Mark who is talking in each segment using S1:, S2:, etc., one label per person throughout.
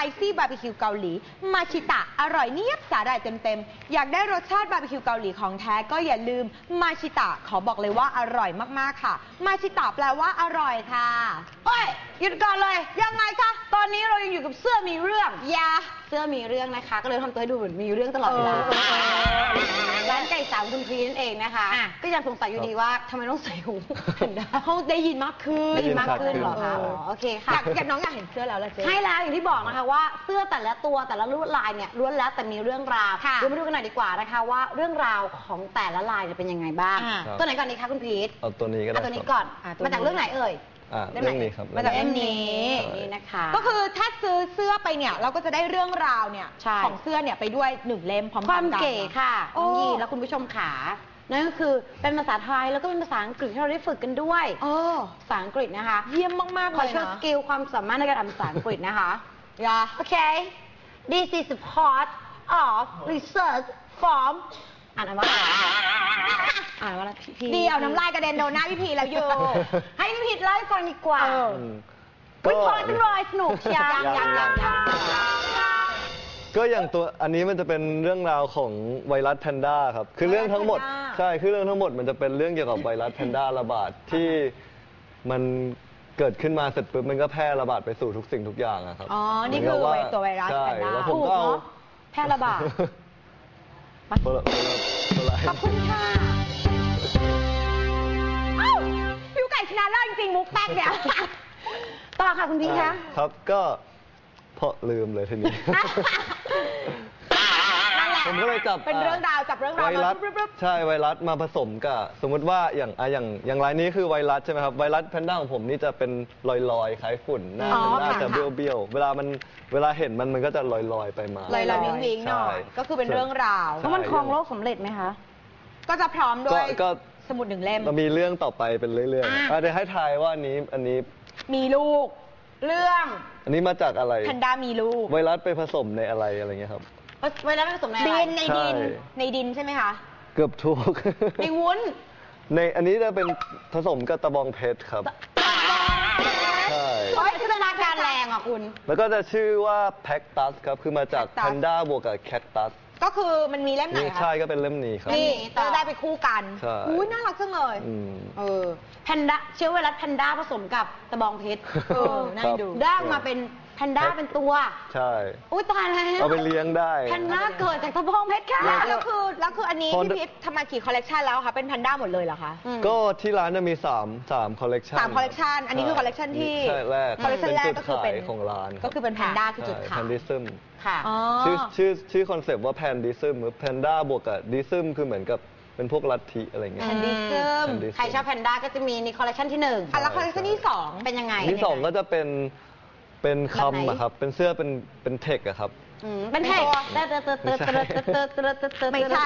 S1: ซี่บาร์บีคิวเกาหลีมาชิตะอร่อยเนียบสาหร่ายเต็มๆอยากได้รสชาติบาร์บีคิวเกาหลีของแท้ก็อย่าลืมมาชิตะขอบอกเลยว่าอร่อยมากๆค่ะมาชิตะแปลว่าอร่อยค่ะ
S2: เฮ้ยหยุดก่อนเลย
S1: ยังไงคะ
S2: ตอนนี้เรายังอยู่กับเสื้อมีเรื่อง
S1: ยา
S2: เสื้อมีเรื่องนะคะก็เลยทำตัวให้ดูเหมือนมีเรื่องตลอดเวลาร้านไก่สามคุณพีนั่นเองนะคะก็ยังสงสัยอยู่ดีว่าทำไมต้องใส่หู
S1: เขาได้ยินมากขึ้น
S2: เหรอคะโอเคค่ะ
S1: อยากน้องอยากเห็นเสื้อแล้วล่ะเจ๊
S2: ใช่แล้วอย่างที่บอกนะคะว่าเสื้อแต่ละตัวแต่ละลวดลายเนี่ยล้วนแล้วแต่มีเรื่องราวเดี๋ยวมาดูกันหน่อยดีกว่านะคะว่าเรื่องราวของแต่ละลายจะเป็นยังไงบ้างตัวไหนก่อนดีคะคุณพีท
S3: เอาตัวนี้ก็ได้
S2: ตัวนี้ก่อนมาจากเรื่องไหนเอ่ย
S3: เรื่องนี้ครับ
S1: มาจากเรื่องนี้
S2: นะคะ
S1: ก็คือถ้าซื้อเสื้อไปเนี่ยเราก็จะได้เรื่องราวเนี่ยของเสื้อเนี่ยไปด้วย1 เล่มพร้อมกัน
S2: ความเก๋ค่ะน้องยีแล้วคุณผู้ชมขานั่นก็คือเป็นภาษาไทยแล้วก็เป็นภาษาอังกฤษที่เราได้ฝึกกันด้วยภาษาอังกฤษนะคะ
S1: เยี่ยมมากๆเลยนะ
S2: ขอโชว์สกิลความสามารถในการอ่านภาษาอังกฤษนะคะโอเค This is a part of research from อ่านว่า
S1: พี่ดีเอาน้ำลายกระเด็นโดนหน้าพี่พีแล้วอยู่
S2: ให้พี่พีเล่าให้ฟังดีกว่าวิเคราะห์จังเลยสนุกเชียร์
S3: ก็อย่างตัวอันนี้มันจะเป็นเรื่องราวของไวรัสแพนด้าครับคือเรื่องทั้งหมดใช่คือเรื่องทั้งหมดมันจะเป็นเรื่องเกี่ยวกับไวรัสแพนด้าระบาดที่มันเกิดขึ้นมาเสร็จปุ๊บมันก็แพร่ระบาดไปสู่ทุกสิ่งทุกอย่างครับ
S1: อ๋อนี่คือตัวไวรัสแพนด้า
S3: ผมก็เอา
S2: แพร่ระบาด
S1: ขอบคุณค่ะผิวไก่ชนะเลิศจริงมุกแป๊กเนี่ย
S2: ต่อค่ะคุณพี่คะ
S3: ครับก็เพราะลืมเลยทีนี้ผมก็เลยจับ
S1: เป็นเรื่องราวจับเรื่องราว
S3: ไวรัสใช่ไวรัสมาผสมกับสมมติว่าอย่างรายนี้คือไวรัสใช่ไหมครับไวรัสแพนด้าของผมนี่จะเป็นลอยๆคล้ายฝุ่นหน้าจะเบี้ยวๆเวลาเห็นมันก็จะลอยไปมา
S1: ลอยๆวิ่งๆหน่อยก็คือเป็นเรื่องราว
S2: แล้วมันครองโลกสำเร็จไหมคะ
S1: ก็จะพร้อมด้วยสมุด1 เล่ม
S3: มีเรื่องต่อไปเป็นเรื่อยๆเดี๋ยวให้ทายว่าอันนี้
S1: มีลูกเรื่อง
S3: อันนี้มาจากอะไร
S1: แพนด้ามีลูก
S3: ไวรัสไปผสมในอะไรเงี้ยครับ
S2: ไวรัสผสมในอะไร
S1: ในดินใช่ไหมคะ
S3: เกือบถูก
S1: ในวุ้น
S3: ในอันนี้จะเป็นผสมกับตะบองเพชรครับใช่
S2: จินตนาการแรงอ่ะคุณ
S3: แล้วก็จะชื่อว่าแพ็กตัสครับคือมาจากแพนด้าบวกกับแคคตัส
S1: ก็คือมันมีเล่มไหนคะ
S3: ใช่ก็เป็นเล่มนี้ครับ
S1: นี่จะได้ไปคู่กันอุ้ยน่ารักจังเลย
S2: แพนด้าเชื้อไวรัสแพนด้าผสมกับตะบองเพชร
S1: น่าดู
S2: ได้มาเป็นแพนด้าเป็นตัว
S3: ใช่
S2: อุ้ยตายแล้ว
S3: เอาไปเลี้ยงได้
S2: แพนด้าเกิดจากตะบองเพชรค่ะ
S1: แล้วคืออันนี้พี่พิษทำมากี่คอลเลกชันแล้วคะเป็นแพนด้าหมดเลยเหรอคะ
S3: ก็ที่ร้านจะมี3คอลเลกชัน
S1: 3 คอลเลกชันอันนี้คือคอลเลกชันที่
S3: แรก
S1: คอลเลกชันแรกก็คือเป็น
S3: ของร้าน
S1: ก็คือเป็นแพนด้าคือจุดขาย
S3: แพนดิซึม
S1: ค่ะ
S3: ชื่อคอนเซปต์ว่าแพนดิซึมแพนด้าบวกกับดิซึมคือเหมือนกับเป็นพวกลัทธิอะไรเงี้ย
S1: แพนดิซึม
S2: ใครชอบแพนด้าก็จะมีในคอลเลกชันที่1
S1: แล้วคอลเลกชันที่2เป็นยังไง
S3: ที่2ก็จะเป็นคำอะครับเป็นเสื้อเป็นเทคอะครับ
S2: เป็นเทค
S1: ไม่ใช่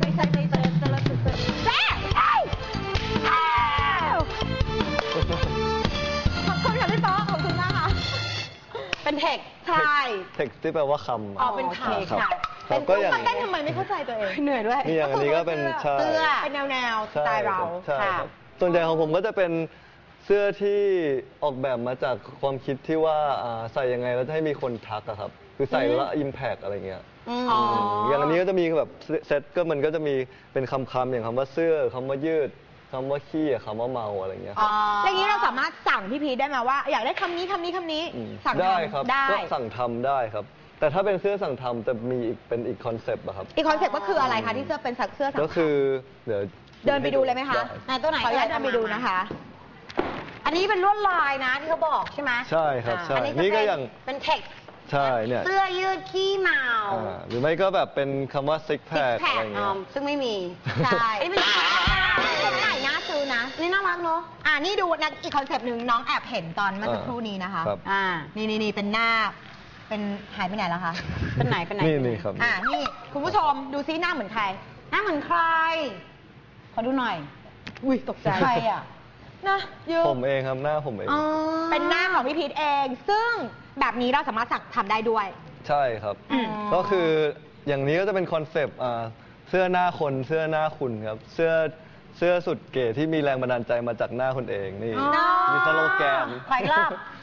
S1: ขอบคุณค่ะพี่ป๊อกขอบคุณมากค่ะ
S2: เป็นเทค
S1: ใช่
S3: เทคที่แปลว่าคำ
S1: เป็นคำค่ะ
S3: เป็นก็อย่าง
S1: เต้นทำไมไม่เข้าใจตัวเอง
S2: เหนื่อยด้วย
S3: นี่อย่างอันนี้ก็เป็น
S1: เสื้อเป็นแนวสไตล์เรา
S3: ค่ะส่วนใหญ่ของผมก็จะเป็นเสื้อที่ออกแบบมาจากความคิดที่ว่าใส่ยังไงแล้วจะให้มีคนทักอะครับคือใส่แล้วอิมแพกอะไรเงี้ยอย่างอันนี้ก็จะมีแบบเซ็ตก็มันก็จะมีเป็นคำอย่างคำว่าเสื้อคำว่ายืดคำว่าขี้คำว่าเมาอะไรเงี้ย
S1: อย่างนี้เราสามารถสั่งพี่พีได้ไหมว่าอยากได้คำนี้
S3: สั่งได้ครับก็สั่งทำได้ครับแต่ถ้าเป็นเสื้อสั่งทำจะมีเป็นอีกคอนเซปต์อะครับ
S1: อีกคอนเซปต์ก็คืออะไรคะที่เสื้อเป็นเสื้อสั่งทำ
S3: ก็คือเดี๋ยว
S1: เดินไปดูเลยไหมคะ
S2: ตัวไหน
S1: ขออนุญาตเดินไปดูนะคะ
S2: อันนี้เป็นลวดลายนะที่เขาบอกใช่ไหม
S3: ใช่ครับใช่นี่ก็อย่าง
S2: เป็นเทค
S3: ใช่เนี่ย
S2: เสื้อยืดขี้เมา
S3: หรือไม่ก็แบบเป็นคำว่าซิกแพคอะไรเงี้ย
S2: ซึ่งไม่มี
S1: ใช่อันนี้เป็นไหนน่าซื้อนะ
S2: นี่น่ารักเนาะ
S1: นี่ดูนะอีกคอนเซปต์หนึ่งน้องแอบเห็นตอนเมื่อสักครู่นี้นะคะนี่เป็นหน้าเป็นหายไปไหนแล้วคะ
S2: เป็นไหน
S3: นี่ครับ
S1: นี่คุณผู้ชมดูซิหน้าเหมือนใคร
S2: หน้าเหมือนใครขอดูหน่อย
S1: อุ้ยตกใจ
S2: ใครอ่ะ
S1: นะ
S3: ผมเองครับหน้าผมเอง
S1: เป็นหน้าของพี่พีทเองซึ่งแบบนี้เราสามารถทำได้ด้วย
S3: ใช่ครับก็คืออย่างนี้ก็จะเป็นคอนเซปต์เสื้อหน้าคนเสื้อหน้าคุณครับเสื้อสุดเก๋ที่มีแรงบันดาลใจมาจากหน้าคนเองนี่มีสโลแกน
S2: ไปรอบ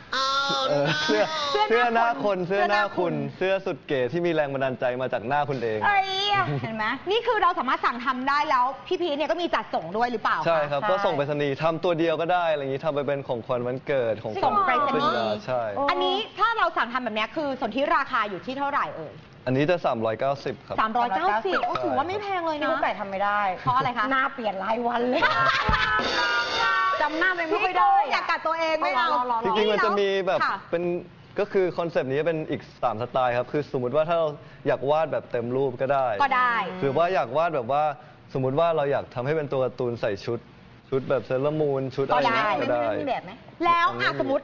S3: เสื้อหน้าคนเสื้อหน้าคุณเสื้อสุดเก๋ที่มีแรงบันดาลใจมาจากหน้าคุณเอง
S1: เห็นไหมนี่คือเราสามารถสั่งทำได้แล้วพี่พีชเนี่ยก็มีจัดส่งด้วยหรือเปล่า
S3: ใช่ครับก็ส่งไปรษณีย์ทำตัวเดียวก็ได้อะไรอย่างนี้ทำไปเป็นของขวัญวันเกิดของ
S1: ส่งไปรษณีย์
S3: ใช่
S1: อันนี้ถ้าเราสั่งทำแบบนี้คือส่วนที่ราคาอยู่ที่เท่าไหร่เอ่ย
S3: อันนี้จะ390ครับ
S1: 390โอ้ถือว่าไม่แพงเลย
S2: นี่
S1: นะ
S2: กุ๊กไก่ทำไม่ได้
S1: เพราะอะไรคะ
S2: หน้าเปลี่ยนรายวันเลยจำหน้าไม่ค่อยได้
S1: อยากกัดตัวเองไม่เอา
S3: จริงๆมันจะมีแบบ
S1: ค่ะ
S3: เป็นก็คือคอนเซปต์นี้เป็นอีก3สไตล์ครับคือสมมุติว่าถ้าเราอยากวาดแบบเต็มรูปก็ได้
S1: ก็ได้
S3: หรือว่าอยากวาดแบบว่าสมมุติว่าเราอยากทำให้เป็นตัวการ์ตูนใส่ชุดแบบเซเลอร์มูนชุดอะไรอย่างเงี้ยก็ได้
S2: มีแบบไหม
S1: แล้วสมมติ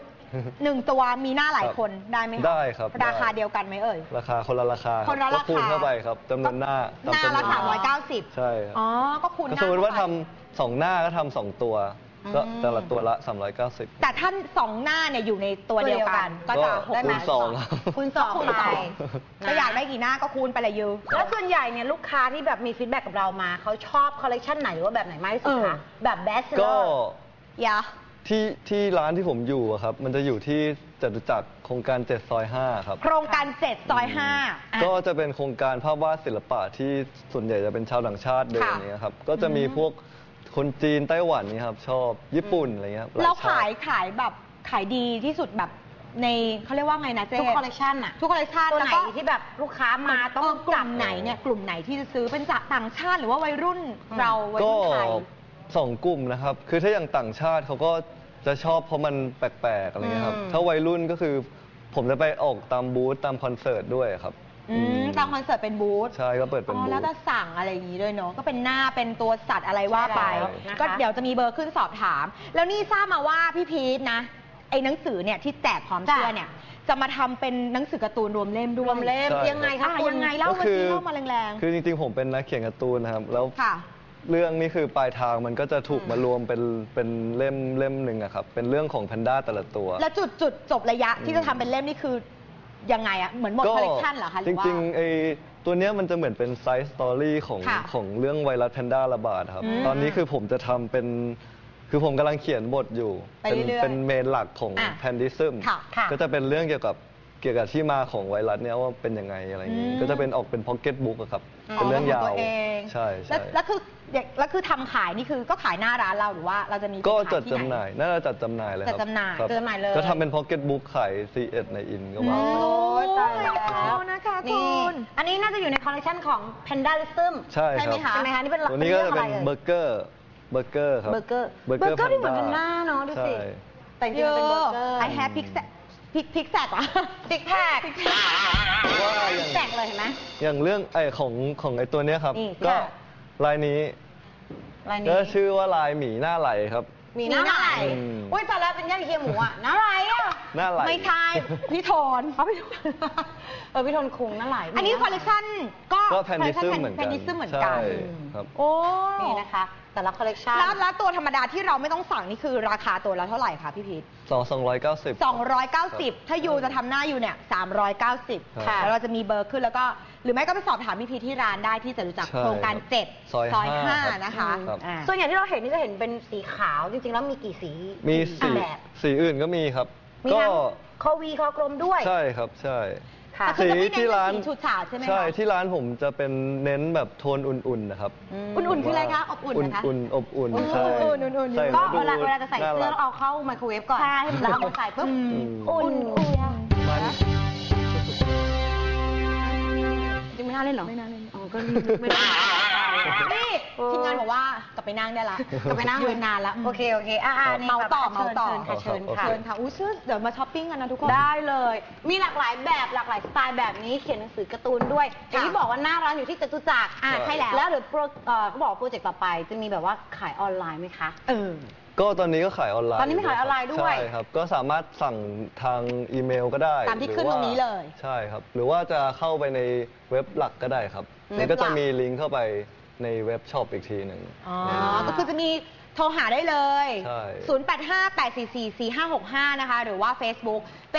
S1: 1 ตัวมีหน้าหลายคนได้ไหมะ
S3: ได้ครับ
S1: ราคาเดียวกันไหมเอ่ย
S3: ราคาคนละราคา
S1: คนละราคา
S3: ก็คูณเข้าไปครับจำนวนหน้า
S1: หน้า
S3: ตมจำน
S1: ละ
S3: วน
S1: 390
S3: ใช่ครับ
S1: อ๋อก็คูณห
S3: ก็
S1: น้า
S3: สมมติว่า
S1: เข้
S3: ทำ2หน้าก็ทำ2ตัวก็แต่ละตัวละ390
S1: แต่ท่าน2 หน้าเนี่ยอยู่ในตัวเดียวกัน ก็จะ
S3: ก็
S1: 6
S3: คูณสองครับ
S2: คูณสอง
S1: คูณ
S2: ไป
S1: สองก็อยากได้กี่หน้าก็คูณไปเลยยู
S2: แล้วส่วนใหญ่เนี่ยลูกค้าที่แบบมีฟีดแบ็กกับเรามาเขาชอบคอลเลกชันไหนหรือว่าแบบไหนมากที่สุดคะแบบเบสเซอ
S3: ก็
S2: ร์
S1: อย่า
S3: ที่ร้านที่ผมอยู่อะครับมันจะอยู่ที่จตุจักรโครงการ7 ซอย 5 ครับ
S1: โครงการ7 ซอย 5
S3: ก็จะเป็นโครงการภาพวาดศิลปะที่ส่วนใหญ่จะเป็นชาวต่างชาติเดิน
S1: ค่ะ
S3: นี้ครับก็จะมีพวกคนจีนไต้หวันนี่ครับชอบญี่ปุ่นอะไรเงี้ยหล
S1: แล้ว
S3: ชาติ
S1: ขายแบบขายดีที่สุดแบบในเขาเรียกว่าไงนะเจ๊
S2: ทุกคอลเลกชันอะ
S1: ทุกคอลเลกชัน
S2: ตัว
S1: แล้ว
S2: ไหน
S1: ก็
S2: ที่แบบลูกค้ามาต้อง
S1: กลุ่มไหนเนี่ยกลุ่มไหนที่จะซื้อเป็นจากต่างชาติหรือว่าวัยรุ่นเราวัย
S3: ก็
S1: รุ่นไทย
S3: 2 กลุ่มนะครับ คือถ้าอย่างต่างชาติเขาก็จะชอบเพราะมันแปลกๆอะไรเงี้ยครับ ถ้าวัยรุ่นก็คือผมจะไปออกตามบูธตามคอนเสิร์ตด้วยครับ
S1: ตามคอนเสิร์ตเป็นบูธ
S3: ใช่ก็เปิดเป็นบูธ
S1: แล้วก็สั่งอะไรอย่างนี้ด้วยเนาะก็เป็นหน้าเป็นตัวสัตว์อะไรว่าไป
S2: ใช่แล้วนะคะ
S1: ก็เดี๋ยวจะมีเบอร์ขึ้นสอบถาม แล้วนี่ทราบมาว่าพี่พีทนะไอ้หนังสือเนี่ยที่แจกพร้อมเสื้อเนี่ยจะมาทำเป็นหนังสือการ์ตูนรวมเล่มด้วย
S2: รวมเล่ม
S3: ใช่
S2: ยังไงคะ
S1: ยังไงเล่ามาสิเล่ามาแรงๆ
S3: คือจริงๆผมเป็นนักเขียนการ์ตูนนะครับ แล้ว
S1: ค่ะ
S3: เรื่องนี้คือปลายทางมันก็จะถูกมารวมเป็นเล่มหนึ่งอะครับ เป็นเรื่องของแพนด้าแต่ละตัว
S1: แล้วจุดจบระยะที่จะทำเป็นเล่มนี่คือยังไงอะเหมือนหมดคอลเลกชันเหรอคะห
S3: จ
S1: รือว่า
S3: ริงๆไอ้ตัวเนี้ยมันจะเหมือนเป็นไซส์สตอรี่ของ
S1: ค่ะ
S3: ของเรื่องไวรัสแพนด้าระบาดครับ ตอนนี้คือผมจะทำเป็นคือผมกำลังเขียนบทอยู่
S1: ไปเรื่อยๆ
S3: เป็นเมนหลักของ
S1: อ่ะ
S3: แพนดิซึม
S1: ค่ะค่ะ
S3: ก็จะเป็นเรื่องเกี่ยวกับที่มาของไวรัสเนี้ยว่าเป็นยังไงอะไรอย่างงี้ก็จะเป็นออกเป็นพ็อกเก็ตบุ๊กครับเป็นเรื่องยาว
S1: ตัวเอง
S3: ใช่
S1: แล้วคือทำขายนี่คือก็ขายหน้าร้านเราหรือว่าเราจะมี
S3: ก็
S1: ขาย
S3: จัด
S1: ที่
S3: จำห
S1: ไหน
S3: น่ายน่าจะจัดจำหน่ายเลยครับ
S1: จัดจำหน่าย
S3: ครับ
S2: จัดจำหน่ายเลย
S3: ก็ทำเป็นพ็อกเก็ตบุ๊กขาย C1 ในอินก็ว่า
S1: โอ้ย
S2: ตายแล้ว
S1: นะคะคุ
S2: นี่
S1: ณ
S2: อันนี้น่าจะอยู่ในคอลเลกชันของ Pandalism
S3: ใช่
S2: ไหม
S3: ครับ
S2: คะใช่ไหมคะนี่เป็น
S3: ตัวนี้ก็จะเป็น
S2: รื่อง
S3: เบ
S2: อะไร
S3: อร์เกอร์ครับ
S2: เบอร์เกอร์ที่เหมือนเป็นหน้าเนาะดูสิ
S3: ใช่
S2: แต่จริงๆมันเป็นเบอร์เกอร์
S1: I have pig sack อะ
S2: ซิกแพค
S3: ว่าอย่าง
S2: แตกเลยเห็นไหม
S3: อย่างเรื่องของไอ้ตัวเนี้ยครับ
S2: นี่
S3: ก็
S2: ค่ะ
S3: ลายนี้
S2: ลายนี้
S3: ก็ชื่อว่าลายหมีหน้าไหลครับ
S2: มีหน้าไหล
S3: อืม
S2: อุ้ยตอนแรกเป็นย่าเคียหมูอ่ะหน้าไหลอ่ะ
S3: หน้าไหล
S1: ไม่ใช่ พี่โทน
S2: พี่ทนคุงหน้าไหล
S1: อันนี้คอลเลกชันก็
S3: ก็แพนดิซึมเหมือน
S1: แพ
S3: กัน
S1: นดิซึมเหมือน
S3: ใช่
S1: กัน
S3: ครับ
S1: โอ้
S2: นี่นะคะ แต่ละคอลเลกชัน
S1: แล้วตัวธรรมดาที่เราไม่ต้องสั่งนี่คือราคาตัวละเท่าไหร่คะพี่พีท
S3: 290
S1: 290 ถ้ายูจะทำหน้ายูเนี่ย390
S3: ค่ะ
S1: แล้วเราจะมีเบอร์ขึ้นแล้วก็ หรือไม่ก็ไปสอบถามพี่พีทที่ร้านได้ที่จตุจักร
S3: ใช่
S1: โครงการ
S3: ครับ
S1: 7
S3: ซอย
S1: ซอย
S3: 5
S1: 5 นะคะ
S3: ครับ
S1: อ่า
S2: ส่วนใหญ่ที่เราเห็นนี่จะเห็นเป็นสีขาวจริงๆ แล้วมีกี่สี
S3: มีสี
S2: แบบ
S3: สีอื่นก็มีครับ
S2: มี
S3: ก็
S2: ทั้งคอวีคอกลมด้วย
S3: ใช่ครับใช่
S2: ค่ะ
S1: แต่คือจะไม่เน้น
S3: ที่ร้าน
S1: เป็นสีฉูดฉาดใช่ไหมคะ
S3: ใช่ที่ร้านผมจะเป็นเน้นแบบโทนอุ่นๆนะครับ
S1: อุ่นๆคืออะไรคะอบอุ่นนะคะ
S3: อุ่นๆอบอุ่น
S1: อุ่นๆ
S3: ใช่
S1: อุ่นๆ
S3: ใส่
S2: ก็
S3: แล้วดู
S2: เวลาจะใส่เสื้อ
S3: น่ารั
S2: เรา
S3: ก
S2: เอาเข้าไมโครเวฟก่อน
S1: ใช่
S2: แล้วเอามาใส่ปุ๊บ อุ่น
S3: มัน
S2: จริงไม่น่าเล่นเหรอ
S1: ไม่น่าเล่น
S2: อ๋อก็ไม่ได้
S1: นี่ทีมงานบอกว่ากลับไปนั่งได้ละ
S2: กลับไปนั่ง
S1: ยืนนานละ
S2: โอเคนี่
S1: เมาต่อ
S2: ค่ะ
S1: เมาต่อ
S2: เชิญค่ะ
S1: เชิญค่ะอู้เชื่อเดี๋ยวมาช้อปปิ้งกันนะทุกคน
S2: ได้เลย มีหลากหลายแบบหลากหลายสไตล์แบบนี้เขียนหนังสือการ์ตูนด้วยอย่างที่บอกว่าหน้าร้านอยู่ที่จตุจักร
S1: ใช่แล้ว
S2: แล้วเดี๋ยวเขาบอกว่าโปรเจกต์ต่อไปจะมีแบบว่าขายออนไลน์ไหมคะ
S3: ก็ตอนนี้ก็ขายออนไลน์
S2: ตอนนี้มีขายออนไลน์ด้วย
S3: ใช่ครับ ก็สามารถสั่งทางอีเมลก็ได้
S1: ตามที่
S3: หอ
S1: ขึ้นตรงนี้เลย
S3: ใช่ครับ หรือว่าจะเข้าไปในเว็บหลักก็ได้ครับ
S1: เว็
S3: มัน
S1: บหลัก
S3: ก็จะมีลิงก์เข้าไปในเว็บช็อปอีกทีหนึ่ง
S1: อ๋อ ก็คือจะมีโทรหาได้เลย
S3: ใช่
S1: 0858444565 นะคะ หรือว่า Facebook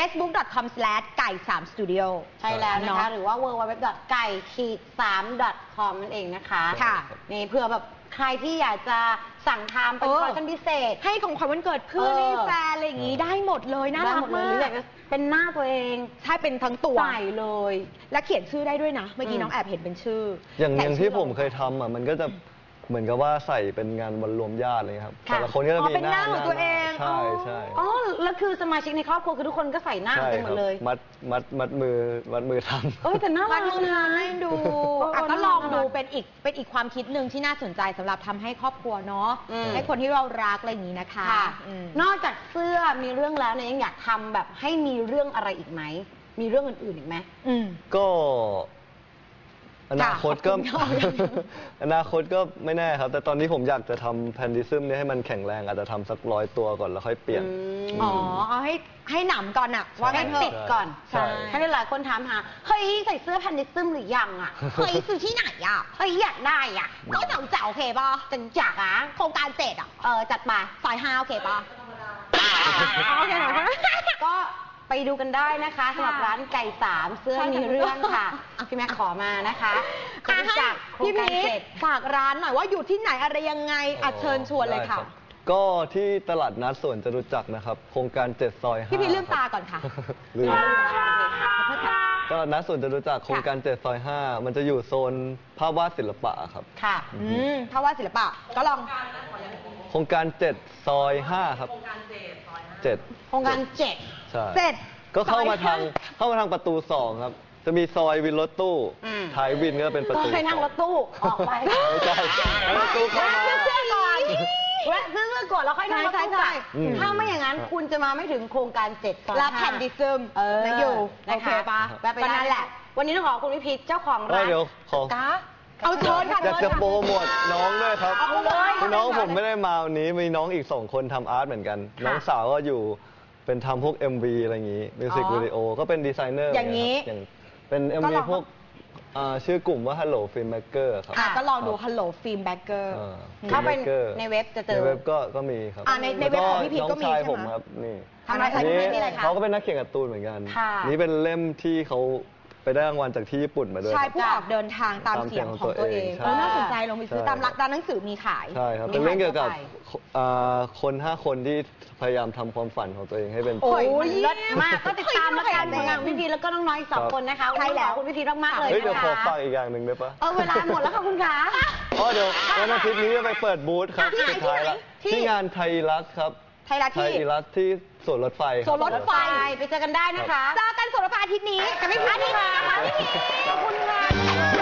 S1: facebook.com/ไก่3studio
S2: ใช่แล้วนะคะ
S1: เ
S2: หรือว่า www.ไก่-3.com นั่นเองนะคะ
S1: ค่ะ
S2: นี่เพื่อแบบใครที่อยากจะสั่งทำเป็นคอลเลคชั่นพิเศษ
S1: ให้ของขวัญวันเกิดเพื่อนให้แฟนอะไรอย่างงี้ได้หมดเลยน่ารัก
S2: ได้หดเลย
S1: มา
S2: หรืออยาก
S1: ก
S2: จะเป็นหน้าตัวเอง
S1: ใช่เป็นทั้งตัว
S2: ใส่เลย
S1: และเขียนชื่อได้ด้วยนะ เมื่อกี้
S2: อืม
S1: น้องแอบเห็นเป็นชื่อ
S3: อย่าง
S1: แต่
S3: ที่
S1: ชื่อ
S3: ผมเคยทำอ่ะมันก็จะเหมือนกับว่าใส่เป็นงานวันรวมญาติเลยครับ
S2: ค่ะ
S3: แต่ละคนก็จะ
S1: อ๋อ
S3: มี
S1: เป็นหน้าของตัวเอง
S3: ใช่ใช่
S2: อ๋อแล้วคือสมาชิกในครอบครัวคือทุกคนก็ใส่หน้า
S3: ใช่
S2: กันหม
S3: ครั
S2: ดเลย
S3: มัดมือทำ
S2: เอ้ยแต่น่ารั
S1: วาก ดมือ
S2: นะ
S1: ให้ดู
S2: เออ
S1: ก็ลอง
S2: น่ารัก
S1: ดูเป็นอีกความคิดหนึ่งที่น่าสนใจสำหรับทำให้ครอบครัวเนาะ
S2: อืม
S1: ให้คนที่เรารักอะไรอย่างนี้นะคะ
S2: ค่ะ
S1: อืม
S2: นอกจากเสื้อมีเรื่องแล้วเนี่ยยังอยากทำแบบให้มีเรื่องอะไรอีกไหมมีเรื่องอื่นๆอีกไหม
S1: อืม
S3: ก็อนาคตก็
S1: ขอบคุณค่ะ
S3: อนาคตก็ไม่แน่ครับ แต่ตอนนี้ผมอยากจะทำแพนดิซึมเนี่ยให้มันแข็งแรงอาจจะทำสัก100 ตัวก่อนแล้วค่อยเปลี่ยน
S1: อ๋อเอาให้หนำก่อนอะว่า
S2: ให้
S1: งั้นเถ
S2: ติ
S1: อะ
S2: ดก่อน
S3: ใช่
S2: ให้หลายคนถามหาเฮ้ยใส่เสื้อแพนดิซึมหรือยังอ่ะ
S1: เฮ้ยซื้อที่ไหนอะ
S2: เฮ้ยอยากได้อ่ะ
S1: ก็เจ๋าโอเคป่ะ
S2: จังจักอ่ะ
S1: โครงการเจ็ดอะ
S2: จัดมา
S1: ซอย5โอเคป่ะ
S2: โอเคก็ไปดูกันได้นะคะสำหรับร้านไก่สามเสื้อมีเรื่องค่ะพี่แม่ขอมานะคะคนรู้จักโครง
S1: พี่
S2: การ
S1: พี
S2: เจ็ด
S1: ฝากร้านหน่อยว่าอยู่ที่ไหนอะไรยังไงอัดเชิญชวนเลยค่ะ
S3: ได้รับก็ที่ตลาดนัดสวนจตุจักรนะครับ โครงการ7 ซอย 5
S1: พี่พีลืมตาก่อนค่ะ
S3: ลืม
S1: ขอโทษค่ะ
S3: ตลาดนัดสวนจตุจักรโครงการ7 ซอย 5 มันจะอยู่โซนภาพวาดศิลปะครับ
S2: ค่ะ
S1: ถ้าว่าศิลปะก็ลอง
S3: โครงการ7 ซอย 5 ครับ7
S2: โครงการเจ็ด
S3: ใช่
S1: เสร็จ
S3: ก็เข้ามาทาง
S1: ซอย
S3: เข้ามาทางประตู 2 ครับ จะมีซอยวินรถตู้
S2: อืม
S3: ท้ายวินก็เป็นประ
S2: ก็
S3: ตู
S2: ให้นั่งรถตู้ออกไป
S3: ไม่ใช่ประตูเข้ามา
S2: แวะซื้อเสื้อก่อนแวะซื้อเสื้อก่อนแล้วค่อยนั่งรถตู้กลับ
S3: อืม
S2: ถ้าไม่อย่างนั้นคุณจะมาไม่ถึงโครงการ7 ซอย
S1: รับ
S2: 5
S1: แผ่นดิซึม
S2: นะ
S1: นะ
S2: อ
S1: อยู่ ยู่
S2: นะ
S1: โอเค
S2: คะ
S1: ปะ
S2: แวะไป
S1: ก็
S2: ได้
S1: นั่นแหละ
S2: วันนี้ต้องขอบคุณพี่พีชเจ้าของร้าน
S3: เดี๋ยวขอ
S1: กะเอาเชิญค่ะ
S3: อยากจะโปรโมทน้องด้วยครับ
S2: เอาเลย
S3: คือน้องผมไม่ได้มาวันนี้มีน้องอีก 2 คนทำอาร์ตเหมือนกัน น้องสาวก็อยู่เป็นทำพวก MV อะไรอย่างนี้มิวสิกวิดีโอก็เป็นดีไซเนอร์
S1: อย่างนี้
S3: อย่างเป็น
S1: ก็
S3: MV
S1: ลอง
S3: พวกชื่อกลุ่มว่า Hello Filmmaker ครับ
S1: ก็ลองดู Hello Film Backer
S2: เข้าไป
S3: Filmmaker
S2: ในเว็บจะเจ
S3: ใน
S2: อ
S3: เว็บก็มีครับ
S1: ในเว็บของพี่พีชก็มี
S3: น้องชาย
S1: ใช่ไหม
S3: ผมครับนี่
S2: ทำอะไรคะ
S3: นี่
S2: นี่อะไรคะ
S3: เขาก็เป็นนักเขียนการ์ตูนเหมือนกัน
S2: ค่ะ
S3: นี่เป็นเล่มที่เขาไปได้รางวัลจากที่ญี่ปุ่นมาด้วย
S1: ใช่
S3: ครับ
S1: ผู้ออกเดินทางตามเสียงของตัวเอง
S3: ใช่
S1: น่าสนใจลองไปซื้อ
S3: ใช่
S1: ตามร้านหนังสือมีขาย
S3: ใช่ครับ
S2: มี
S3: เป็นเรื่องเกี่ยวกับ
S2: ขายทั่วไป
S3: คน5 คนที่พยายามทำความฝันของตัวเองให้เป็น
S2: โอ้ย
S1: โอ้ย
S2: เลิศมากก็ติดตามแล้วกัน
S1: เฮ้ย
S2: ผลงานของพี่พีชแล้วก็น้องๆอีกสอง
S3: ครับ
S2: คนนะคะ
S1: ใช่แล้ว
S2: ขอบคุณพี่พีชมากๆเลย
S3: เฮ้ยเดี๋ยว
S2: นะ
S3: ขอ
S2: คะ
S3: ฝากอีกอย่างหนึ่งได้ปะ
S2: เวลาหมดแล้วค่ะคุณคะ
S3: อ๋อเดี๋ยววันอาทิตย์นี้จะไปเปิดบูธครับ
S1: ที่ไหน
S3: สุดท้ายละ
S1: ที่ไหน
S3: ที่งานไทยรัฐครับ
S1: ไทยรัฐ
S3: ไท
S1: ที่
S3: ยรัฐที่สวนรถไฟค
S1: ส
S3: รั
S1: วนรถไฟ
S2: ไปเจอกันได้นะคะ
S1: เจอกันสวนรถไฟอาทิตย์นี้จะไม่พลาดที่นะคะพี่พีชขอบคุณค่ะ